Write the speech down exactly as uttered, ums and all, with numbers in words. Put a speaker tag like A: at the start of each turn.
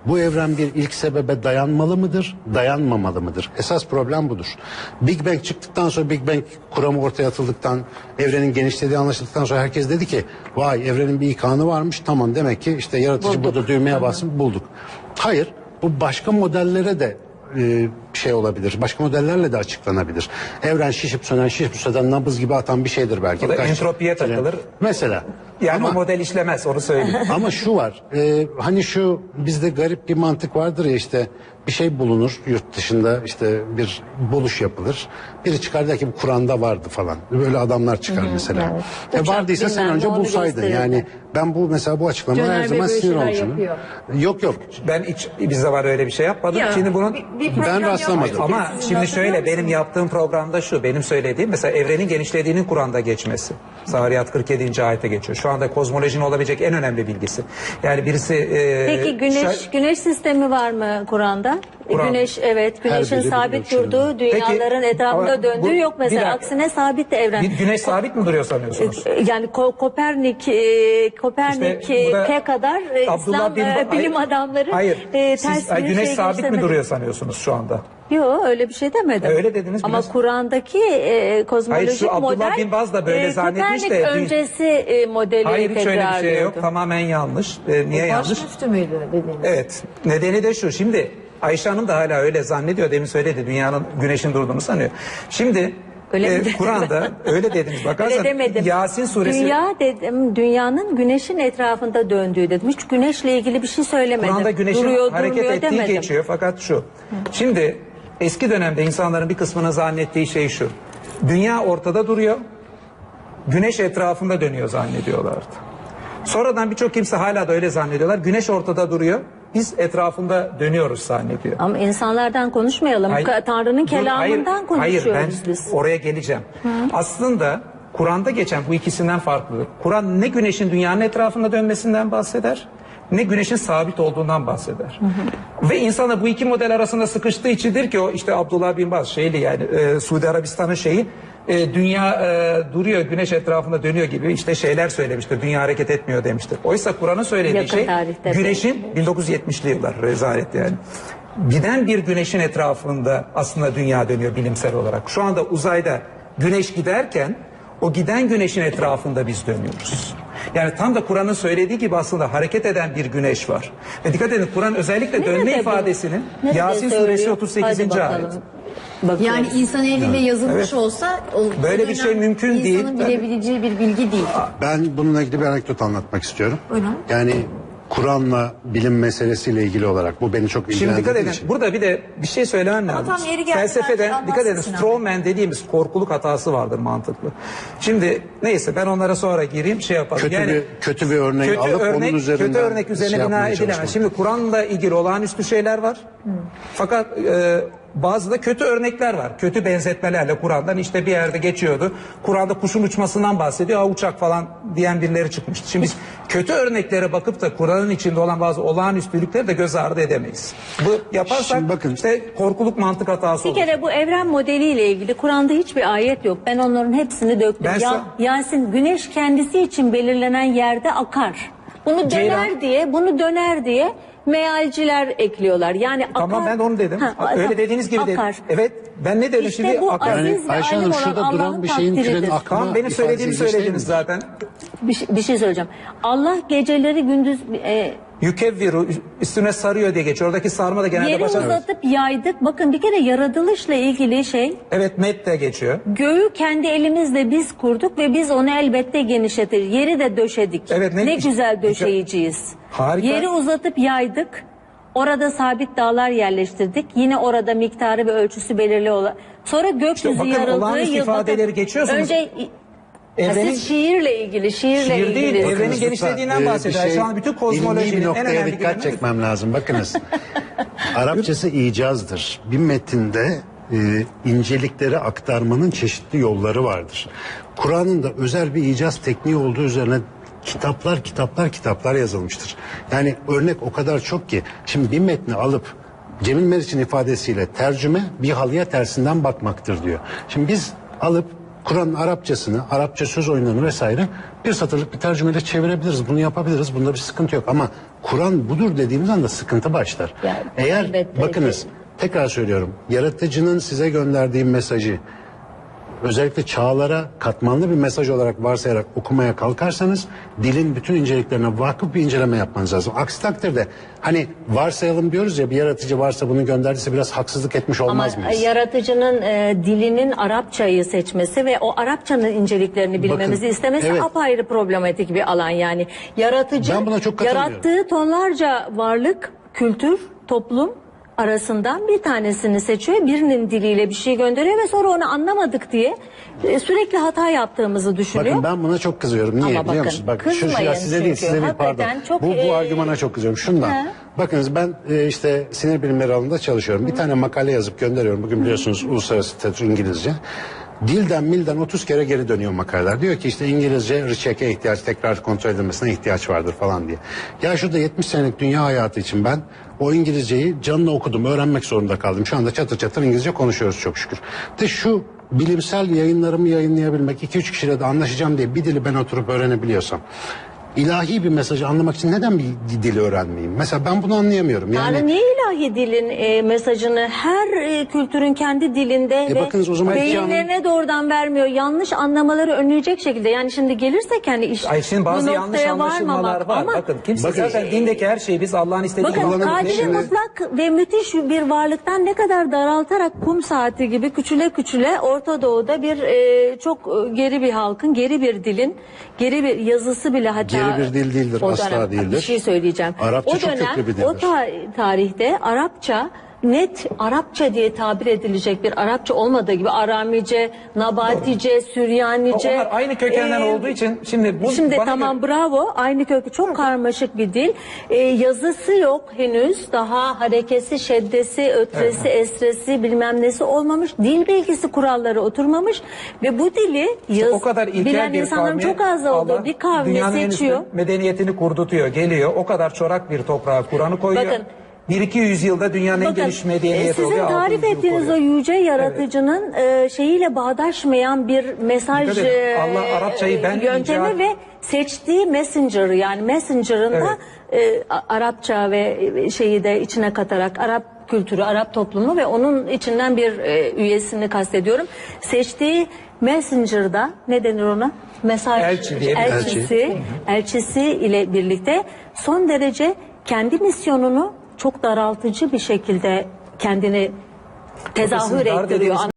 A: Bu evren bir ilk sebebe dayanmalı mıdır, dayanmamalı mıdır? Esas problem budur. Big Bang çıktıktan sonra, Big Bang kuramı ortaya atıldıktan, evrenin genişlediği anlaşıldıktan sonra herkes dedi ki vay, evrenin bir ikanı varmış, tamam, demek ki işte yaratıcı
B: Bulduk.
A: burada düğmeye basıp bulduk. Hayır, bu başka modellere de e, şey olabilir. Başka modellerle de açıklanabilir. Evren şişip sönen, şişip sönen, nabız gibi atan bir şeydir belki.
C: O da
A: Kaç-
C: entropiye takılır.
A: Mesela.
C: Yani
A: Ama-
C: o model işlemez, onu söyleyeyim.
A: Ama şu var, e, hani şu bizde garip bir mantık vardır ya, işte bir şey bulunur yurt dışında, işte bir buluş yapılır. Biri çıkar der ki bu Kur'an'da vardı falan. Böyle adamlar çıkar mesela.
B: evet.
A: E,
B: Uçak
A: vardıysa sen
B: bilmem
A: önce
B: ne, onu
A: bulsaydın.
B: gösterirdi.
A: Yani ben bu mesela bu açıklamaya
B: Caner
A: her
B: Bey
A: zaman
B: böyle
A: sinir
B: şeyler
A: olmuşum.
B: yapıyor.
A: Yok yok.
C: Ben hiç bir zaman öyle bir şey yapmadım.
B: Ya,
C: Şimdi bunun
B: bir- bir program
A: Ben rastlamadım.
B: yapmıştık ya,
C: ama
B: sizin
C: şimdi
B: hatırlıyor
C: şöyle,
B: musunuz?
C: benim yaptığım programda şu, benim söylediğim mesela evrenin genişlediğinin Kur'an'da geçmesi. Zariyat kırk yedinci ayete geçiyor. Şu anda kozmolojinin olabilecek en önemli bilgisi. Yani birisi e,
B: Peki güneş
C: şa-
B: güneş sistemi var mı Kur'an'da? E,
C: Kur'an.
B: Güneş, evet, güneşin
A: biri bir
B: sabit
A: ölçüde.
B: durduğu, dünyaların
C: Peki,
B: etrafında
C: ama
B: döndüğü
C: bu-
B: yok
C: bir
B: mesela.
C: dakika.
B: Aksine sabit de evren.
C: bir güneş sabit mi duruyor sanıyorsunuz?
B: E, Yani Ko- Kopernik, e, Kopernik
C: İşte bu da
B: e, kadar e,
C: Abdullah
B: İslam
C: bin
B: e,
C: Ba-
B: bilim
C: Hayır,
B: adamları
C: hayır.
B: e,
C: Siz,
B: ters
C: ay,
B: bir
C: güneş
B: şey
C: sabit mi
B: göstermedi.
C: duruyor sanıyorsunuz şu anda?
B: Yok, öyle bir şey demedim.
C: Öyle dediniz,
B: Ama
C: güneş-
B: Kur'an'daki e, kozmolojik
C: Hayır, şu Abdullah
B: model
C: bin Baz da böyle zannetmiş
B: Kopernik
C: de-
B: öncesi e, modeli
C: Hayır, hiç öyle bir şey yok.
B: tekrarlıyordu.
C: Tamamen yanlış. E, niye yanlış?
D: Baş müftü müydü dediğiniz?
C: Evet. Nedeni de şu. Şimdi Ayşe Hanım da hala öyle zannediyor. Demin söyledi. Dünyanın güneşin durduğunu sanıyor. Şimdi
B: Öyle mi
C: e,
B: dedin?
C: Kur'an'da öyle dediniz. Bakarsan
B: Öyle demedim.
C: Yasin suresi.
B: Dünya dedim, dünyanın güneşin etrafında döndüğü dedim. Hiç güneşle ilgili bir şey söylemedim.
C: Kur'an'da güneşin
B: Duruyor,
C: hareket
B: durmuyor
C: ettiği
B: demedim.
C: geçiyor. Fakat şu. Şimdi eski dönemde insanların bir kısmının zannettiği şey şu. Dünya ortada duruyor. Güneş etrafında dönüyor zannediyorlardı. Sonradan birçok kimse hala da öyle zannediyorlar. Güneş ortada duruyor. Biz etrafında dönüyoruz zannediyor.
B: Ama insanlardan konuşmayalım.
C: Hayır,
B: Ka- Tanrı'nın
C: dur,
B: kelamından
C: hayır, hayır,
B: konuşuyoruz
C: ben
B: biz.
C: oraya geleceğim. Aslında Kur'an'da geçen bu ikisinden farklı. Kur'an ne güneşin dünyanın etrafında dönmesinden bahseder, ne güneşin sabit olduğundan bahseder. Ve insana bu iki model arasında sıkıştığı içindir ki o işte Abdullah bin Baz şeyli, yani e, Suudi Arabistan'ın şeyi, e, dünya e, duruyor, güneş etrafında dönüyor gibi işte şeyler söylemiştir. Dünya hareket etmiyor demiştir. Oysa Kur'an'ın söylediği
B: Yakın
C: şey
B: tarihte
C: güneşin bin dokuz yüz yetmişli yıllar rezalet yani. Giden bir güneşin etrafında aslında dünya dönüyor bilimsel olarak. Şu anda uzayda güneş giderken o giden güneşin etrafında biz dönüyoruz. Yani tam da Kur'an'ın söylediği gibi aslında hareket eden bir güneş var. Ve dikkat edin, Kur'an özellikle dönme
B: Nerede bu?
C: ifadesinin
B: Nerede
C: Yasin
B: söylüyor?
C: suresi otuz sekizinci
B: Hadi
C: ayet.
B: bakalım. Bakıyoruz.
D: Yani insan eliyle yazılmış
C: Evet.
D: olsa o,
C: Böyle
D: o
C: bir şey
D: dönem
C: mümkün değil.
D: İnsanın bilebileceği bir bilgi değil.
A: Ben bununla ilgili bir anekdot anlatmak istiyorum.
D: Buyurun.
A: Yani Kur'an'la bilim meselesiyle ilgili olarak bu beni çok
C: Şimdi
A: ilgilendirdiği
C: dikkat edin.
A: için.
C: Burada bir de bir şey söylemem
D: Ama
C: lazım.
D: tam yeri geldi,
C: Felsefede
D: belki
C: dikkat edin.
D: anlatsın Sinan
C: Strawman dediğimiz korkuluk hatası vardır, mantıklı. Şimdi neyse, ben onlara sonra gireyim, şey yapalım.
A: Kötü bir- kötü bir örnek
C: kötü
A: alıp onun
C: örnek,
A: üzerinden
C: kötü örnek üzerine
A: şey
C: bina
A: yapmaya
C: edilemez.
A: çalışmak.
C: Şimdi Kur'an'la ilgili olağanüstü şeyler var. Fakat e, bazı da kötü örnekler var. Kötü benzetmelerle Kur'an'dan işte bir yerde geçiyordu. Kur'an'da kuşun uçmasından bahsediyor. Aa, uçak falan diyen birileri çıkmıştı. Şimdi biz kötü örneklere bakıp da Kur'an'ın içinde olan bazı olağanüstülükleri de göz ardı edemeyiz. Bu yaparsak
A: Şimdi bakın.
C: işte korkuluk mantık hatası
B: Bir
C: olur.
B: kere bu evren modeliyle ilgili Kur'an'da hiçbir ayet yok. Ben onların hepsini döktüm.
C: Ben
B: Ya,
C: sa-
B: Yasin, güneş kendisi için belirlenen yerde akar. Bunu döner
C: Ceylan-
B: diye, bunu döner diye mealciler ekliyorlar. Yani akar.
C: Tamam, ben de onu dedim.
B: Ha,
C: Öyle
B: tamam.
C: dediğiniz gibi dedim.
B: akar.
C: Evet, ben ne dedim
B: İşte
C: şimdi?
B: bu
C: Akar.
B: aziz
A: Yani
B: ve
A: Ayşe Hanım,
B: alim olan
A: şurada duran
B: Allah'ın
A: bir şeyin
B: takdiridir.
A: türenin aklı.
C: Tamam, benim söylediğimi
A: ifadesi
C: söylediniz
A: değil mi?
C: zaten.
B: Bir, şey- bir şey söyleyeceğim. Allah geceleri gündüz e,
C: Yükevviru üstüne sarıyor diye geçiyor. Oradaki sarma da genelde
B: yeri
C: başa...
B: uzatıp yaydık. Bakın bir kere yaratılışla ilgili şey,
C: Evet, met de geçiyor.
B: göğü kendi elimizle biz kurduk ve biz onu elbette genişletir. Yeri de döşedik.
C: Evet, ne-
B: ne güzel döşeyiciyiz.
C: Harika.
B: Yeri uzatıp yaydık. Orada sabit dağlar yerleştirdik. Yine orada miktarı ve ölçüsü belirli olan. Sonra gökyüzü
C: bakın,
B: yarıldığı
C: olağanüstü
B: yıl.
C: ifadeleri geçiyorsunuz.
B: Önce Ha,
C: Evrenin-
B: siz şiirle ilgili, şiirle
C: Şiir
B: ilgili.
C: değil, evrenin
A: Bakınız
C: genişlediğinden
A: lütfen,
C: bahsediyor.
A: e, bir
C: Şu an bütün kozmolojinin
A: ilmi bir
C: en
A: noktaya
C: önemli
A: dikkat
C: gündemi-
A: çekmem lazım. Bakınız. Arapçası icazdır. Bir metinde e, incelikleri aktarmanın çeşitli yolları vardır. Kur'an'ın da özel bir icaz tekniği olduğu üzerine kitaplar kitaplar kitaplar yazılmıştır. Yani örnek o kadar çok ki. Şimdi bir metni alıp Cemil Meriç'in ifadesiyle tercüme bir halıya tersinden bakmaktır diyor. Şimdi biz alıp Kur'an'ın Arapçasını, Arapça söz oyunlarını vesaire bir satırlık bir tercümeyle çevirebiliriz. Bunu yapabiliriz. Bunda bir sıkıntı yok. Ama Kur'an budur dediğimiz anda sıkıntı başlar.
B: Yani,
A: Eğer
B: elbette
A: bakınız
B: ki.
A: tekrar söylüyorum. Yaratıcının size gönderdiği mesajı özellikle çağlara katmanlı bir mesaj olarak varsayarak okumaya kalkarsanız dilin bütün inceliklerine vakıf bir inceleme yapmanız lazım. Aksi takdirde hani varsayalım diyoruz ya, bir yaratıcı varsa bunu gönderdiyse biraz haksızlık etmiş
B: Ama
A: olmaz mıyız?
B: yaratıcının e, dilinin Arapçayı seçmesi ve o Arapçanın inceliklerini bilmemizi
A: Bakın,
B: istemesi
A: evet.
B: apayrı problematik bir alan yani. Yaratıcı
A: Ben buna çok katılmıyorum.
B: yarattığı tonlarca varlık, kültür, toplum arasından bir tanesini seçiyor. Birinin diliyle bir şey gönderiyor ve sonra onu anlamadık diye e, sürekli hata yaptığımızı düşünüyor.
A: Bakın ben buna çok kızıyorum. Niye
B: Ama
A: biliyor
B: bakın,
A: musunuz? Bak şu, şu
B: kızmayın
A: ya size değil,
B: çünkü.
A: size değil, pardon.
B: Hakikaten çok,
A: bu bu
B: e,
A: argümana çok kızıyorum. Şundan.
B: He.
A: Bakınız ben e, işte sinir bilimleri alanında çalışıyorum. Bir tane makale yazıp gönderiyorum. Bugün biliyorsunuz uluslararası tiyatro İngilizce. Dilden milden otuz kere geri dönüyor makaleler. Diyor ki işte İngilizce recheck'e ihtiyaç, tekrar kontrol edilmesine ihtiyaç vardır falan diye. Ya şurada yetmiş senelik dünya hayatı için ben o İngilizceyi canlı okudum, öğrenmek zorunda kaldım. Şu anda çatır çatır İngilizce konuşuyoruz çok şükür. De şu bilimsel yayınlarımı yayınlayabilmek, iki üç kişiyle de anlaşacağım diye bir dili ben oturup öğrenebiliyorsam, ilahi bir mesajı anlamak için neden bir dili öğrenmeyeyim? Mesela ben bunu anlayamıyorum. Yani
B: Yani niye ilahi dilin e, mesajını her e, kültürün kendi dilinde
A: E
B: ve
A: bakınız o zaman
B: beyinlerine doğrudan vermiyor. Yanlış anlamaları önleyecek şekilde. Yani şimdi gelirsek hani iş
C: Ay şimdi bazı
B: bu
C: yanlış
B: noktaya
C: anlaşılmalar
B: varmamak.
C: var.
B: Ama
C: Bakın kimse
A: Bakın-
C: zaten dindeki her şeyi biz Allah'ın istediği gibi
B: bakın
A: kullanabilir.
B: kadiri
A: Şimdi-
B: mutlak ve müthiş bir varlıktan ne kadar daraltarak kum saati gibi küçüle küçüle Orta Doğu'da bir e, çok e, geri bir halkın, geri bir dilin, geri bir yazısı bile hatta
A: Geri bir dil değildir,
B: o
A: asla
B: dönem-
A: değildir.
B: Bir şey söyleyeceğim.
A: Arapça
B: o
A: çok
B: dönem,
A: köklü bir dildir.
B: o ta- tarihte Arapça net Arapça diye tabir edilecek bir Arapça olmadığı gibi Aramice, Nabatice, Süryanice.
C: Onlar aynı kökenden
B: e,
C: olduğu için şimdi bu
B: Şimdi
C: bana
B: tamam
C: göre-
B: bravo, aynı kökü çok karmaşık bir dil. Ee, yazısı yok henüz, daha harekesi, şeddesi, ötresi, esresi bilmem nesi olmamış. Dil bilgisi kuralları oturmamış ve bu dili yaz,
C: o kadar ilkel
B: bilen
C: bir
B: insanların
C: kavmi
B: çok az olduğu
C: Allah
B: bir kavmi
C: dünyanın en
B: seçiyor.
C: üstün medeniyetini kurdutuyor, geliyor. O kadar çorak bir toprağa Kur'an'ı koyuyor.
B: Bakın,
C: bir iki yüzyılda dünyanın en
B: Bakın,
C: geniş
B: e,
C: medeniyeti
B: sizin
C: oluyor.
B: tarif
C: altı yüz yıl
B: ettiğiniz o
C: koruyor.
B: yüce yaratıcının e, şeyiyle bağdaşmayan bir mesaj
C: Dikkat edin,
B: e,
C: Allah Arapçayı ben
B: yöntemi
C: icat-
B: ve seçtiği messenger yani messenger'ın da e, A- Arapça ve e, şeyi de içine katarak Arap kültürü, Arap toplumu ve onun içinden bir e, üyesini kastediyorum. Seçtiği messenger'da ne denir ona? Mesaj
C: Elçi diye bir-
B: elçisi, elçisi ile birlikte son derece kendi misyonunu çok daraltıcı bir şekilde kendini tezahür
C: Bakın, dar
B: ettiriyor.
C: dediğimiz